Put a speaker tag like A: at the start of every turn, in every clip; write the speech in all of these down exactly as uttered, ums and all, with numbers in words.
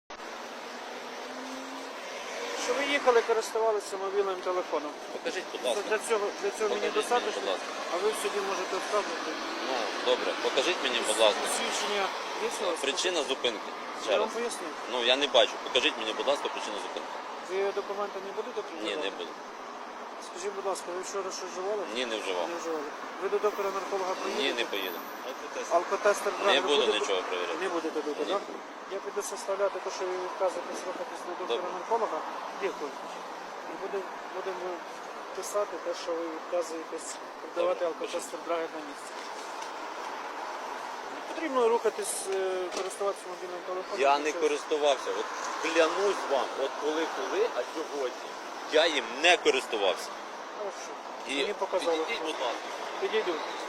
A: Що ви їхали, користувалися мобільним телефоном.
B: Покажіть, будь
A: Це
B: ласка.
A: Для цього, для цього мені
B: Покажіть мені,
A: достатньо,
B: будь ласка.
A: а ви в суді можете вказувати.
B: Ну, добре, покажіть мені, будь ласка.
A: Свідчення є у вас?
B: Причина зупинки. Ще
A: Я
B: раз.
A: вам поясню.
B: Ну, я не бачу. Покажіть мені, будь ласка, причину зупинки.
A: Ви документи не будете
B: Ні,
A: придавати?
B: не буду.
A: Скажіть, будь ласка, ви вчора щось вживали?
B: Ні, не вживав.
A: Не вживали. Ви до доктора нарколога приїдете?
B: Ні, не поїду.
A: Алкотестер
B: Не
A: драгер
B: буду
A: будете?
B: нічого перевіряти.
A: Не будете тут,
B: Ні.
A: так? Я піду составляти те, що ви відказуєтесь рухатись до доктора
B: Добре.
A: нарколога. Дякую. І буде- будемо писати те, що ви відказуєтесь продавати
B: Добре,
A: алкотестер драгер на місці. Не потрібно рухатись, е, користуватися мобільним телефоном.
B: Я не
A: Це-
B: користувався. От клянусь вам, от коли-коли, а сьогодні я їм не користувався.
A: Хорошо.
B: І
A: Мені показали.
B: підійдіть, будь ласка.
A: Підійду.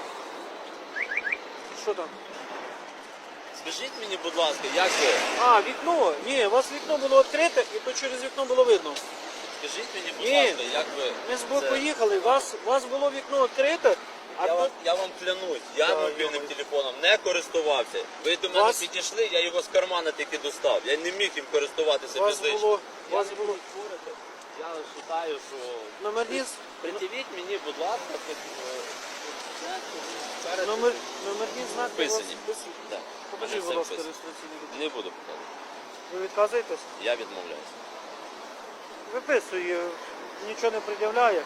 A: Що там?
B: Скажіть мені, будь ласка, як ви?
A: А, вікно. Ні, у вас вікно було відкрите, і то через вікно було видно.
B: Скажіть мені, будь
A: Ні.
B: ласка, як ви?
A: Ми з боку
B: це-
A: їхали, у вас, у вас було вікно відкрите, а
B: Я
A: тут
B: вам, я вам клянусь, я
A: Да,
B: мобільним
A: йомаю.
B: телефоном не користувався. Ви до мене
A: Вас-
B: підійшли, я його з кармана тільки достав. Я не міг їм користуватися
A: у вас
B: фізично.
A: було, у
B: Я
A: вас
B: не
A: було
B: буду спорити. Я вважаю, що...
A: номерні,
B: Придивіть мені, будь ласка, під- е, перед-
A: номер, номерні знаки у вас
B: Вписані.
A: вписані.
B: Так,
A: Покажіть,
B: мене
A: будь
B: все
A: ласка,
B: вписано.
A: реєстраційний документ.
B: Не буду показувати.
A: Ви відказуєтесь?
B: Я відмовляюся.
A: Виписує, нічого не пред'являє.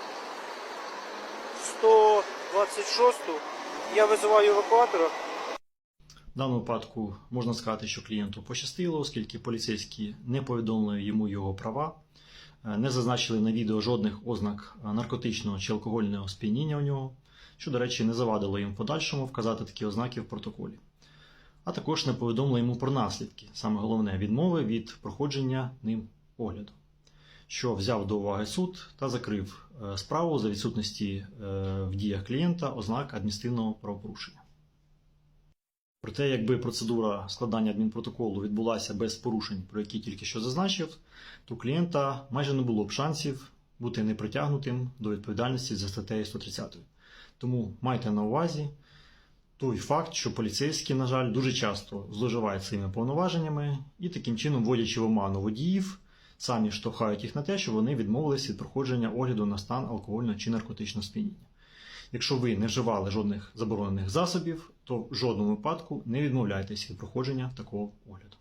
A: сто двадцять шосту. Я визиваю евакуатора.
C: В даному випадку можна сказати, що клієнту пощастило, оскільки поліцейські не повідомили йому його права, не зазначили на відео жодних ознак наркотичного чи алкогольного сп'яніння у нього, що, до речі, не завадило їм в подальшому вказати такі ознаки в протоколі. А також не повідомили йому про наслідки, саме головне, відмови від проходження ним огляду, що взяв до уваги суд та закрив справу за відсутності в діях клієнта ознак адміністративного правопорушення. Проте, якби процедура складання адмінпротоколу відбулася без порушень, про які тільки що зазначив, то у клієнта майже не було б шансів бути непритягнутим до відповідальності за статтею сто тридцять. Тому майте на увазі той факт, що поліцейські, на жаль, дуже часто зловживають своїми повноваженнями і таким чином, вводячи в оману водіїв, самі штовхають їх на те, що вони відмовились від проходження огляду на стан алкогольного чи наркотичного сп'яніння. Якщо ви не вживали жодних заборонених засобів, то в жодному випадку не відмовляйтесь від проходження такого огляду.